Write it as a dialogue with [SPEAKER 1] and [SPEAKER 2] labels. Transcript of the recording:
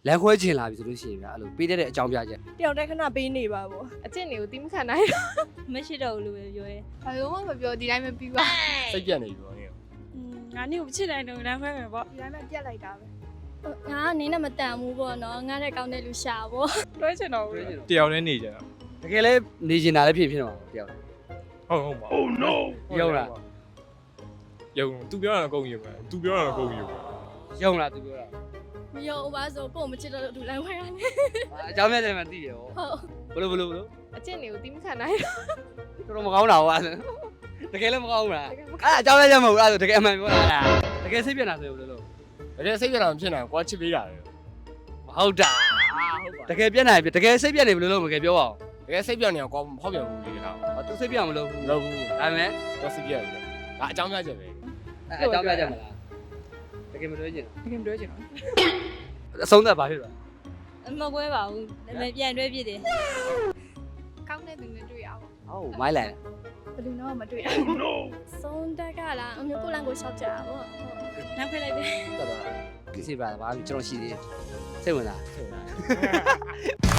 [SPEAKER 1] လမ်းခွဲချင်လာပြီဆိုလို့ရှိရင်ဗျာအဲ့လိုပေးတဲ့အကြောင်းပြချက်
[SPEAKER 2] တယောက်တည်းခဏပေးနေပါဗော
[SPEAKER 3] အကျင့်တွေကိုတီးမခံနိုင်တော့
[SPEAKER 4] မရှိတော့ဘူးလို့ပဲပြောရဲ
[SPEAKER 3] ဘာလို့မှမပြောဒီတိုင်းပဲပြီးပါ
[SPEAKER 5] စိတ်ပြတ်နေပြီပေါ့နင်
[SPEAKER 4] ငါနေ့ကိုမချစ်နိုင်တော့လမ်းခွဲမယ်ပေါ့
[SPEAKER 3] ဒီတိုင်းပဲပြတ်လိုက်တာပဲ
[SPEAKER 4] ငါကနေနဲ့မတန်ဘူးပေါ့နော်ငါတဲ့ကောင်းတဲ့လူရှာပေါ့
[SPEAKER 3] တွဲချင်တော့ဘူး
[SPEAKER 5] တယောက်နဲ့နေကြတာ
[SPEAKER 1] တကယ်လဲနေကျင်တာလည်းဖြစ်မှာပေါ့တယောက်
[SPEAKER 5] ဟုတ်ပါ Oh no ယုံလားသူပြောတာအကုန်ယုံတယ်သူပြောတာအကုန်ယုံတယ်
[SPEAKER 1] ယုံလားသူပြောတာ
[SPEAKER 4] မယုံပါဆိုကိုမချစ်တော့လူလမ်းခွဲရနေ
[SPEAKER 1] အကြောင်းပြချက်မှသိရဟော
[SPEAKER 4] ဟုတ်
[SPEAKER 1] ဘလို့
[SPEAKER 3] အကျင့်တွေကိုတီးမခံနိုင်တော့
[SPEAKER 1] တော်တော်မကောင်းတာဟောတကယ်လည်းမကောင်းဘူးလားအဲ့အကြောင်းပြချက်မဟုတ်ဘူးအဲ့ဒါတကယ်အမှန်ပြောတာတကယ်စိတ်ပြနေတာဆိုရင်ဘယ်လိုလုပ်
[SPEAKER 5] တကယ်စိတ်ပြတ်တာမဖြစ်နိုင်ကွာချစ်ပေးတာလေ
[SPEAKER 1] ဟုတ်တာတကယ်ပြက်နိုင်ပြီတကယ်စိတ်ပြက်နေဘယ်လိုလုပ်မလဲပြောပါဦး
[SPEAKER 5] တကယ်စိတ်ပြတ်နေကွာမဟုတ်ပြန်ဘူးလေကောင်
[SPEAKER 1] သူစိတ်ပြက်မလုပ်ဘူး
[SPEAKER 5] လောက်ဘူး
[SPEAKER 1] ဒါပေမဲ့
[SPEAKER 5] တော့စိတ်ပြတ်ပြီဒါအကြောင်းပြချက်ပဲ
[SPEAKER 1] အကြောင်းပြချက်မလားတကယ်မတွေ့ကျင်
[SPEAKER 3] တကယ်တွဲချင်တော့
[SPEAKER 1] အဆုံးသက်ပါဖြစ်သွား
[SPEAKER 4] မကွဲပါဘူးဒါပေမဲ့ပြန်တွဲပြစ်တယ်
[SPEAKER 3] ကောင်းတဲ့သူနဲ့တွေ့ရအောင်
[SPEAKER 1] ဟုတ်မိုင်းလိုက်
[SPEAKER 3] ဘယ်သူတော့မတွေ့ရ
[SPEAKER 4] ဆုံးတက်ကလားအမျိုးကိုလမ်းကိုရှောက်ကြတာပေါ့လမ်းခွဲလိုက်တယ်
[SPEAKER 1] တော်တော်ကိစ္စပါဘာကျွန်တော်ရှိသေးစိတ်ဝင်စား
[SPEAKER 5] စိတ်